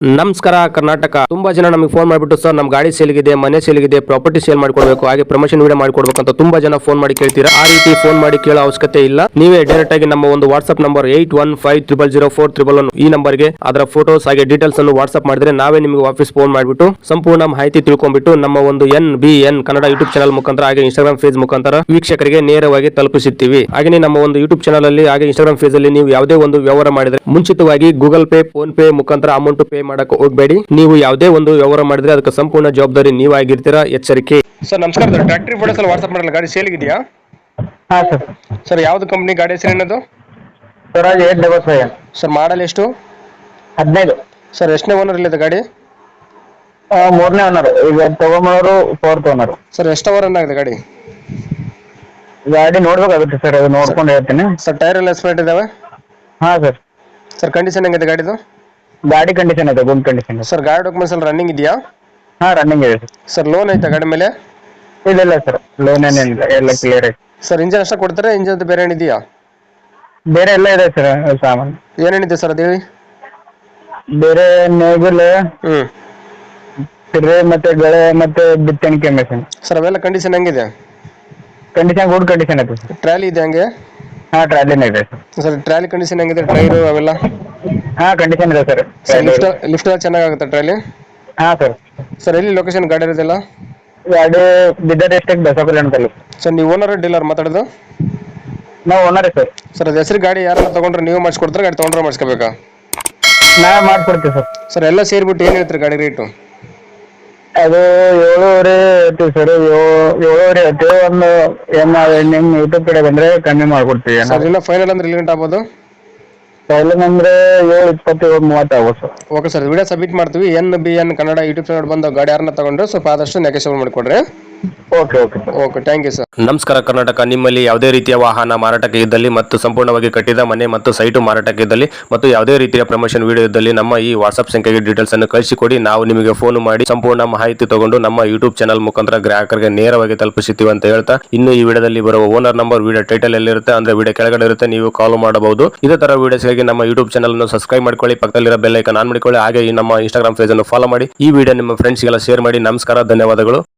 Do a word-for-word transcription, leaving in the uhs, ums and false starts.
ನಮಸ್ಕಾರ ಕರ್ನಾಟಕ. ತುಂಬಾ ಜನ ನಮಗೆ ಫೋನ್ ಮಾಡಿಬಿಟ್ಟು ಸರ್ ನಮ್ಮ ಗಾಡಿ ಸೇಲ್ಗಿದೆ, ಮನೆ ಸೇಲ್ಗಿದೆ, ಪ್ರಾಪರ್ಟಿ ಸೇಲ್ ಮಾಡ್ಕೊಡ್ಬೇಕು, ಹಾಗೆ ಪ್ರಮೋಷನ್ ವಿಡಿಯೋ ಮಾಡ್ಕೊಡ್ಬೇಕು ಅಂತ ತುಂಬಾ ಜನ ಫೋನ್ ಮಾಡಿ ಕೇಳ್ತೀರಾ. ಆ ರೀತಿ ಫೋನ್ ಮಾಡಿ ಕೇಳೋ ಅವಶ್ಯಕತೆ ಇಲ್ಲ. ನೀವೇ ಡೈರೆಕ್ಟ್ ಆಗಿ ನಮ್ಮ ಒಂದು WhatsApp number eight one five triple zero four triple one ಈ ನಂಬರ್ಗೆ ಅದರ ಫೋಟೋಸ್ ಹಾಗೆ ಡೀಟೇಲ್ಸ್ ಅನ್ನು ವಾಟ್ಸ್ಆಪ್ ಮಾಡಿದ್ರೆ ನಾವೇ ನಿಮಗೆ ವಾಪಸ್ ಫೋನ್ ಮಾಡಿಬಿಟ್ಟು ಸಂಪೂರ್ಣ ಮಾಹಿತಿ ತಿಳ್ಕೊಂಡ್ಬಿಟ್ಟು ನಮ್ಮ ಒಂದು N B N Kannada YouTube channel ಮುಖಾಂತರ ಹಾಗೆ ಇನ್ಸ್ಟಾಗ್ರಾಮ್ ಫೇಸ್ ಮುಖಾಂತರ ವೀಕ್ಷಕರಿಗೆ ನೇರವಾಗಿ ತಲುಪಿಸುತ್ತೀವಿ. ಹಾಗೆ ನಮ್ಮ ಒಂದು ಯೂಟ್ಯೂಬ್ ಚಾನಲ್ ಅಲ್ಲಿ ಹಾಗೆ ಇನ್ಸ್ಟಾಗ್ರಾಮ್ ಫೇಸ್ ಅಲ್ಲಿ ನೀವು ಯಾವುದೇ ಒಂದು ವ್ಯವಹಾರ ಮಾಡಿದ್ರೆ ಮುಂಚಿತವಾಗಿ ಗೂಗಲ್ ಪೇ, ಫೋನ್ ಪೇ ಮುಖಾಂತರ ಅಮೌಂಟ್ ಪೇ ಮಾಡಕ್ಕೆ ಹೋಗಬೇಡಿ. ನೀವು ಯಾವುದೇ ಒಂದು ವ್ಯವಹಾರ ಮಾಡಿದ್ರೆ ಅದಕ್ಕೆ ಸಂಪೂರ್ಣ ಜವಾಬ್ದಾರಿ ನೀವಾಗಿರ್ತೀರಾ, ಎಚ್ಚರಿಕೆ. ಸರ್ ನಮಸ್ಕಾರ. ಟ್ರ್ಯಾಕ್ಟರ್ ಫೋಟೋಸ್ ಅಲ್ಲಿ ವಾಟ್ಸ್ಆಪ್ ಮಾಡಲ್ಲ, ಗಾಡಿ ಸೇಲ್ ಇದೆಯಾ? ಹಾ ಸರ್. ಸರ್ ಯಾವ್ದು ಕಂಪನಿ ಗಾಡಿ ಹೆಸರು ಏನದು? Swaraj eight double five. Sir model ಎಷ್ಟು? ಹದಿನೈದು. ಸರ್ ಎಷ್ಟನೇ ಓನರ್ ಇಲ್ಲಿದೆ ಗಾಡಿ? ಮೂರನೇ ಓನರ್. ಈಗ ತಗೊಂಬರೋರು ಫೋರ್ತ್ ಓನರ್. ಸರ್ ಎಷ್ಟು ಅವರ್ ಆಗಿದೆ ಗಾಡಿ? ಗಾಡಿ ನೋಡ್ಬೇಕಾಗುತ್ತೆ ಸರ್, ಅದು ನೋಡ್ಕೊಂಡು ಹೇಳ್ತೀನಿ. ಸರ್ ಟೈರ್ ಎಲ್ಲ ಎಸ್ಪೆಕ್ಟ್ ಇದಾವೆ? ಹಾ ಸರ್. ಸರ್ ಕಂಡೀಷನ್ ಹೆಂಗಿದೆ ಗಾಡಿದು? ಗಾಡಿ ಕಂಡೀಷನ್ ಇದೆ, ಗುಡ್ ಕಂಡೀಷನ್ ಇದೆ. ಸರ್ ಗಾಡಿ ಡಾಕ್ಯುಮೆಂಟ್ಸ್ ಎಲ್ಲ ರನ್ನಿಂಗ್ ಇದೆಯಾ? ಹಾ ರನ್ನಿಂಗ್ ಇದೆ ಸರ್. ಸರ್ ಲೋನ್ ಐತಾ ಗಾಡಿ ಮೇಲೆ? ಇಲ್ಲ ಇಲ್ಲ ಸರ್, ಲೋನ್ ಏನಿಲ್ಲ, ಎಲ್ಲ ಕ್ಲಿಯರ್ ಐತೆ. ಸರ್ ಇಂಜನ್ ಅಷ್ಟೇ ಕೊಡ್ತಾರೆ, ಇಂಜನ್ ಬೇರೆ ಏನಿದೆಯಾ? ಬೇರೆ ಎಲ್ಲ ಇದೆ ಸರ್ ಸಾಮಾನು. ಏನೇನಿದೆ ಸರ್ ಅದು ಹೇಳಿ. ಬೇರೆ ನೇಗಿಲ್, ಹ್ಮ್ ಸಿರೆ ಮತ್ತೆ ಗಳೆ ಮತ್ತೆ ಬಿತ್ತಣಿಕೆ ಮೆಷಿನ್. ಸರ್ ಅವೆಲ್ಲ ಕಂಡೀಷನ್ ಹೆಂಗಿದೆ? ಕಂಡೀಷನ್ ಗುಡ್ ಕಂಡೀಷನ್ ಐತೆ ಸರ್. ಟ್ರಾಲಿ ಇದೆ ಹಂಗೆ? ಹಾ ಟ್ರಾಲಿನ ಇದೆ ಸರ್. ಸರ್ ಟ್ರಾಲಿ ಕಂಡೀಷನ್ ಹೆಂಗಿದೆ? ಟೈರು ಅವೆಲ್ಲ? ಹಾ ಕಂಡೀಷನ್ ಇದೆ ಸರ್. ಲಿಫ್ಟ್ ಲಿಫ್ಟ್ ಎಲ್ಲ ಚೆನ್ನಾಗುತ್ತೆ ಟ್ರಾಲಿ? ಹಾ ಸರ್. ಸರ್ ಎಲ್ಲಿ ಲೊಕೇಶನ್ ಗಾಡಿ ಇರೋದಿಲ್ಲ? ಗಾಡಿ ಬೀದರ್ ಡಿಸ್ಟ್ರಿಕ್ಟ್ ಬಸವಕಲ್ಯಾಣ ತಾಲೂಕು. ಸರ್ ನೀವು ಓನರ್ ಡೀಲರ್ ಮಾತಾಡೋದು? ನಾವು ಓನರೇ ಸರ್. ಸರ್ ಅದು ಹೆಸರು ಗಾಡಿ ಯಾರನ್ನ ತಗೊಂಡ್ರೆ ನೀವು ಮಾಡಿಸ್ಕೊಡ್ತಾರೆ, ಗಾಡಿ ತೊಗೊಂಡ್ರೆ ಮಾಡಿಸ್ಕೋಬೇಕಾ? ನಾವೇ ಮಾಡ್ಕೊಡ್ತೀವಿ ಸರ್. ಸರ್ ಎಲ್ಲ ಸೇರಿಬಿಟ್ಟು ಏನು ಹೇಳ್ತೀರಿ ಗಾಡಿ ರೇಟು? ಅದು ಏಳುವರೆ ಹೇಳ್ತೀವಿ ಸರ್. ಏಳುವರೆ ಹೇಳ್ತೀವಿ. ಒಂದು ಏನು ನಿಮ್ಮ ಯೂಟ್ಯೂಬ್ ಕಡೆ ಬಂದರೆ ಕಮ್ಮಿ ಮಾಡ್ಕೊಡ್ತೀವಿ. ಸರ್ ಇಲ್ಲ ಫೈನಲ್ ಅಂದ್ರೆ ಎಲ್ಲಿ ಗಂಟೆ ಆಗ್ಬೋದು? ಫೈನಲ್ ಅಂದರೆ ಏಳು ಇಪ್ಪತ್ತು ಏಳು ಮೂವತ್ತು ಆಗ್ಬೋದು ಸರ್. ಓಕೆ ಸರ್, ವಿಡಿಯೋ ಸಬ್ಮಿಟ್ ಮಾಡ್ತೀವಿ. N B N Kannada YouTube channel ಬಂದು ಗಾಡಿ ಯಾರನ್ನ ತಗೊಂಡ್ರೆ ಸ್ವಲ್ಪ ಆದಷ್ಟು ನೆಗೆಷನ್ ಮಾಡಿಕೊಡ್ರಿ. Okay okay okay thank you sir. ನಮಸ್ಕಾರ ಕರ್ನಾಟಕ. ನಿಮ್ಮಲ್ಲಿ ಯಾವುದೇ ರೀತಿಯ ವಾಹನ ಮಾರಾಟಕ್ಕೆ ಇದ್ದಲ್ಲಿ ಮತ್ತು ಸಂಪೂರ್ಣವಾಗಿ ಕಟ್ಟಿದ ಮನೆ ಮತ್ತು ಸೈಟು ಮಾರಾಟಕ್ಕೆ ಇದ್ದಲ್ಲಿ ಮತ್ತು ಯಾವುದೇ ರೀತಿಯ ಪ್ರಮೋಷನ್ ವಿಡಿಯೋ ಇದ್ದಲ್ಲಿ ನಮ್ಮ ಈ ವಾಟ್ಸ್ಆಪ್ ಸಂಖ್ಯೆಗೆ ಡೀಟೇಲ್ಸ್ ಅನ್ನು ಕಳಿಸಿಕೊಡಿ. ನಾವು ನಿಮಗೆ ಫೋನ್ ಮಾಡಿ ಸಂಪೂರ್ಣ ಮಾಹಿತಿ ತಗೊಂಡು ನಮ್ಮ ಯೂಟ್ಯೂಬ್ ಚಾನಲ್ ಮುಖಾಂತರ ಗ್ರಾಹಕರಿಗೆ ನೇರವಾಗಿ ತಲುಪಿಸುತ್ತೀವಿ ಅಂತ ಹೇಳ್ತಾ, ಇನ್ನು ಈ ವಿಡಿಯೋದಲ್ಲಿ ಬರುವ ಓನರ್ ನಂಬರ್ ವಿಡಿಯೋ ಟೈಟಲ್ ಎಲ್ಲಿರುತ್ತೆ ಅಂದ್ರೆ ವಿಡಿಯೋ ಕೆಳಗಡೆ ಇರುತ್ತೆ, ನೀವು ಕಾಲ್ ಮಾಡಬಹುದು. ಇದೇ ತರ ವಿಡಿಯೋಸ್ಗಾಗಿ ನಮ್ಮ ಯೂಟ್ಯೂಬ್ ಚಾನಲ್ ಅನ್ನು ಸಬ್ಸ್ಕ್ರೈಬ್ ಮಾಡ್ಕೊಳ್ಳಿ, ಪಕ್ಕದಲ್ಲಿರೋ ಬೆಲ್ ಐಕಾನ್ ಆನ್ ಮಾಡಿಕೊಳ್ಳಿ, ಹಾಗೆ ಈ ನಮ್ಮ ಇನ್ಸ್ಟಾಗ್ರಾಮ್ ಪೇಜ್ ಅನ್ನು ಫಾಲೋ ಮಾಡಿ. ಈ ವಿಡಿಯೋ ನಿಮ್ಮ ಫ್ರೆಂಡ್ಸ್ಗೆಲ್ಲ ಶೇರ್ ಮಾಡಿ. ನಮಸ್ಕಾರ, ಧನ್ಯವಾದಗಳು.